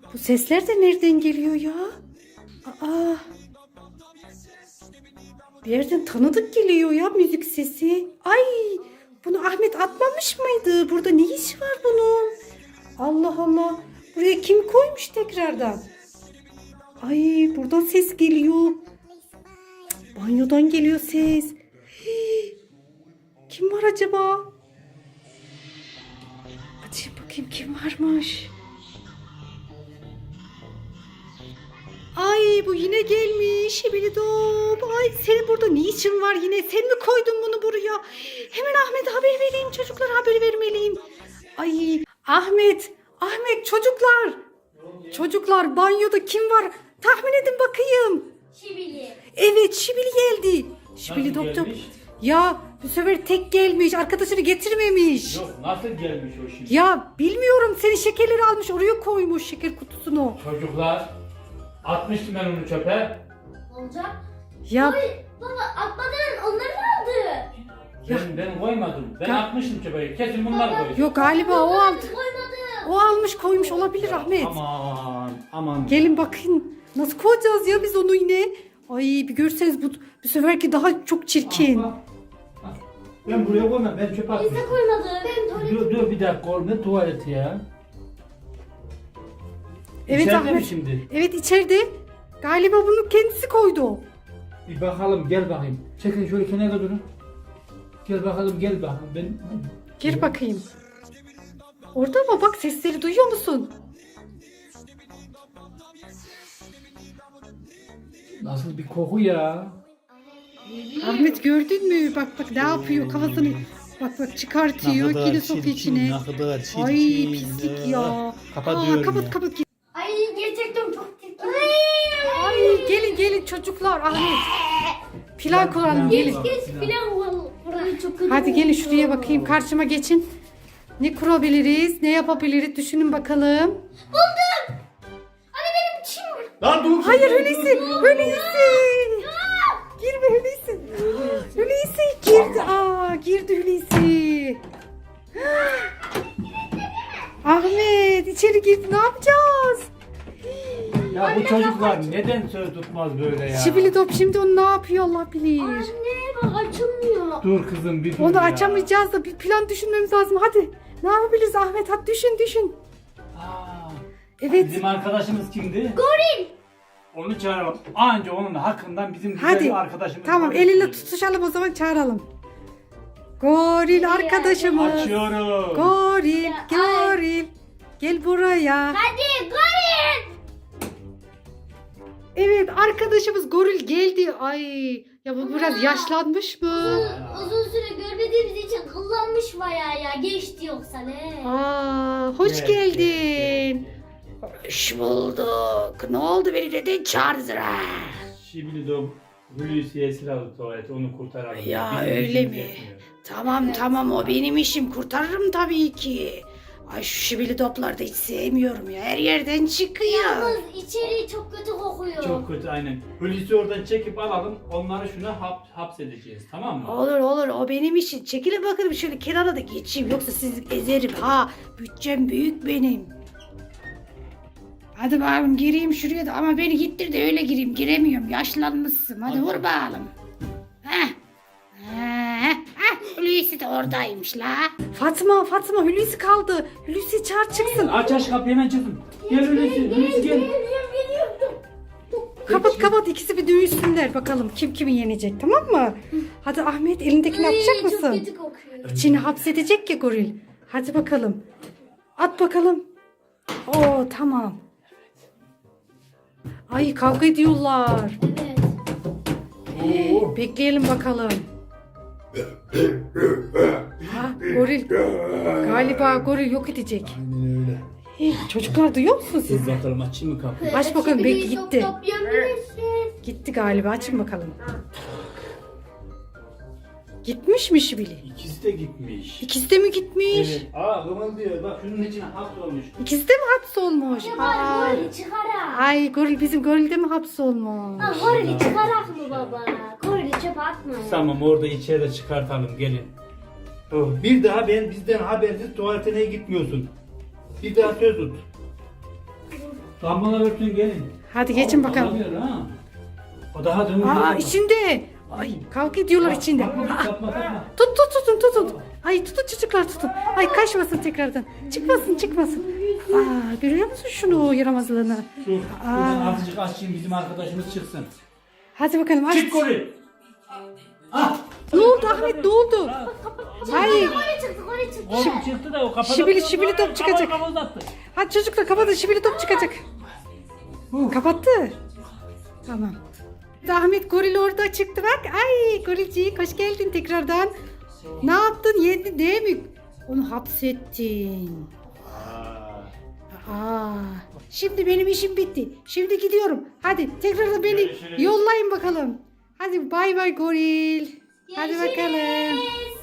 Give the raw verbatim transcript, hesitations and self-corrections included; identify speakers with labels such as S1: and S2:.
S1: Bu sesler de nereden geliyor ya? Aa. Bir yerden tanıdık geliyor ya müzik sesi. Ay, bunu Ahmet atmamış mıydı? Burada ne iş var bunun? Allah Allah. Buraya kim koymuş tekrardan? Ay, buradan ses geliyor. Banyodan geliyor ses. Hii. Kim var acaba? Açayım bakayım kim varmış. Ay, bu yine gelmiş. Şibilidop. Ay, senin burada ne işin var yine? Sen mi koydun bunu buraya? Hemen Ahmet'e haber vereyim. Çocuklara haber vermeliyim. Ay, Ahmet. Ahmet, çocuklar. Çocuklar, banyoda kim var? Tahmin edin bakayım.
S2: Şibili.
S1: Evet, Şibili geldi. Şibili
S3: Nasıl
S1: doktor.
S3: gelmiş?
S1: Ya bu sefer tek gelmiş. Arkadaşını getirmemiş.
S3: Yok, nasıl gelmiş o şimdi?
S1: Ya bilmiyorum, senin şekerleri almış oraya koymuş, şeker kutusunu.
S3: Çocuklar, atmıştım ben onu çöpe.
S2: Olacak.
S1: Ya
S2: Oy, baba atmadan onları mı aldı?
S3: Ben, ben koymadım. Ben
S1: Ya-
S3: atmıştım çöpe. Kesin bunlar
S2: Baba-
S3: koydu.
S1: yok galiba o aldı.
S2: Koymadı.
S1: O almış koymuş olabilir Ahmet.
S3: Aman, aman.
S1: Gelin bakın. Nasıl koyacağız ya biz onu yine? Ay, bir görseniz bu, bu seferki daha çok çirkin.
S3: Ah, bak. Ah, Ben buraya koymam. Ben çöpe
S2: Biz de
S3: atmıştım.
S2: koymadı. Ben tuvalet.
S3: Dur dur bir dakika oğlum, ne tuvaleti ya?
S1: Evet
S3: İçeride mi
S1: Ahmet.
S3: şimdi?
S1: Evet, içeride. Galiba bunu kendisi koydu.
S3: Bir bakalım, gel bakayım. Çekin şöyle kenara durun. Gel bakalım, gel bakalım. Ben...
S1: Gir bakayım. Orada mı? Bak, sesleri duyuyor musun?
S3: Nasıl bir koku ya?
S1: Ahmet, gördün mü? Bak bak ne yapıyor kafasını. Bak bak çıkartıyor. Yine sokuyor içine.
S4: Ne kadar çirkin.
S1: Ay, pislik ya.
S4: Kapatıyorum
S1: Aa, kapat
S4: ya.
S1: kapat.
S2: Ay gerçekten çok çirkin.
S1: Ay, gelin gelin çocuklar, Ahmet. Plan kuralım, gelin.
S2: Geç filan var. Burayı çok kötü.
S1: Hadi gelin
S2: oldu.
S1: şuraya bakayım, karşıma geçin. Ne kurabiliriz, ne yapabiliriz düşünün bakalım.
S2: Buldum. Anne benim çim var.
S4: Lan dur.
S1: Hayır Hulusi, Hulusi. Girme Hulusi. Hulusi girdi. Aa, girdi Hulusi. Ahmet içeri girdi, ne yapacağız?
S3: Ya bu çocuklar neden söz tutmaz böyle ya?
S1: Şibili top şimdi onu ne yapıyor Allah bilir.
S2: Anne bak açılmıyor.
S3: Dur kızım bir dur
S1: Onu
S3: ya.
S1: açamayacağız da bir plan düşünmemiz lazım. Hadi ne yapabiliriz Ahmet, hadi düşün düşün.
S3: Aa,
S1: Evet.
S3: bizim arkadaşımız kimdi?
S2: Goril.
S3: Onu çağıralım. Anca onun hakkından bizim güzel
S1: Hadi.
S3: bir arkadaşımız.
S1: Tamam,
S3: var.
S1: eliyle tutuşalım o zaman, çağıralım. Goril arkadaşımız.
S3: Açıyorum.
S1: Goril,
S2: Ya,
S1: goril. Gel buraya.
S2: Hadi goril.
S1: Evet, arkadaşımız goril geldi. Ay, ya bu biraz yaşlanmış mı?
S2: Uzun, uzun süre görmediğimiz için kullanmış bayağı ya. Geçti yoksa ne?
S1: Aa, hoş
S3: Evet,
S1: geldin.
S3: evet,
S1: Hoş bulduk. Ne oldu, beni neden çağırdın ha?
S3: Şimdi de Hulusi esir aldı tuvaleti, onu kurtaralım.
S1: Ya,
S3: Bizim
S1: öyle
S3: işimiz
S1: mi?
S3: yetmiyor.
S1: Tamam tamam, o benim işim, kurtarırım tabii ki. Ay, şu şibili topları da hiç sevmiyorum ya, her yerden çıkıyor.
S2: Yalnız içeri çok kötü kokuyor.
S3: Çok kötü aynen. Hulusi oradan çekip alalım, onları şuna hap, hapsedeceğiz, tamam mı?
S1: Olur olur, o benim işim. Çekilin bakalım şöyle kenara da geçeyim, yoksa sizi ezerim ha. Bütçem büyük benim. Hadi bakalım, gireyim şuraya da, ama beni gittir de öyle gireyim, giremiyorum, yaşlanmışsın. Hadi vur bakalım. Heh. Heh. Heh. Hulusi de oradaymış la. Fatma Fatma, Hulusi kaldı. Hulusi çağır çıksın.
S3: Aç aç kapıyı, hemen çıkın. Gel Hulusi, Hulusi gel.
S2: Geliyorum geliyorum.
S1: Kapat kapat, ikisi bir dövüşsünler bakalım kim kimi yenecek, tamam mı? Hadi Ahmet, elindekini
S2: Ay,
S1: atacak
S2: Çok
S1: mısın?
S2: kötü kokuyor.
S1: İçini hapsedecek ya goril. Hadi bakalım. At bakalım. Oo, tamam. Ay, kavga ediyorlar.
S2: Evet.
S3: Oo.
S1: Bekleyelim bakalım. Ha, goril. Galiba goril yok edecek.
S4: Aynen öyle.
S1: Hey, çocuklar duyuyor musunuz siz?
S3: Dur bakalım, açayım mı kapıyı?
S1: Aç bakalım,
S2: Şibili
S1: belki
S2: çok
S1: gitti.
S2: toplayabilirsin.
S1: Gitti galiba, açın bakalım. Gitmiş mi Şibili?
S3: İkisi de gitmiş.
S1: İkisi de mi gitmiş?
S3: Evet. Aa, kımıldıyor. Bak şunun içine hapsolmuş.
S1: İkisi de mi hapsolmuş?
S2: Ya
S1: Aa.
S2: bari gorili çıkarak.
S1: Ay, goril, bizim goril de mi hapsolmuş?
S2: Ha, gorili çıkarak mı baba? Gorili çöpe atma ya.
S3: Tamam, orada içeri çıkartalım, gelin. Oh, bir daha ben bizden habersiz tuvaletine gitmiyorsun. Bir daha söz tut. Damlalar örtün gelin.
S1: Hadi geçin
S3: Al-
S1: bakalım.
S3: alamıyor ha. O daha dönüyor.
S1: Aa içinde. Ay kavga ediyorlar içinde.
S3: Bakma,
S1: Aa,
S3: tapma, tapma.
S1: tut tut tutun tutun. Ay tutun çocuklar tutun. Ay kaçmasın tekrardan. Çıkmasın çıkmasın. Aa görüyor musun şunu yaramazlığını?
S3: Dur. Buradan azıcık açayım bizim arkadaşımız çıksın.
S1: Hadi bakalım aç.
S3: Çık goril. Ah.
S1: Ne oldu Ahmet ne oldu? Ay
S2: Oraya çıktık oraya çıktık.
S3: Oğlum çıktı da o kapadı.
S1: Şibili- şibili top çıkacak.
S3: Kapalı kapalı
S1: hadi çocuklar kapatın şibili top çıkacak. Kapattı. Tamam. Ahmet goril orada çıktı bak. Ay gorilcik hoş geldin tekrardan. Ne yaptın yedin değil mi? Onu hapsettin. Aa, şimdi benim işim bitti. Şimdi gidiyorum. Hadi tekrar beni
S3: Görüşürüz.
S1: yollayın bakalım. Hadi bay bay goril. Hadi bakalım.
S2: Görüşürüz.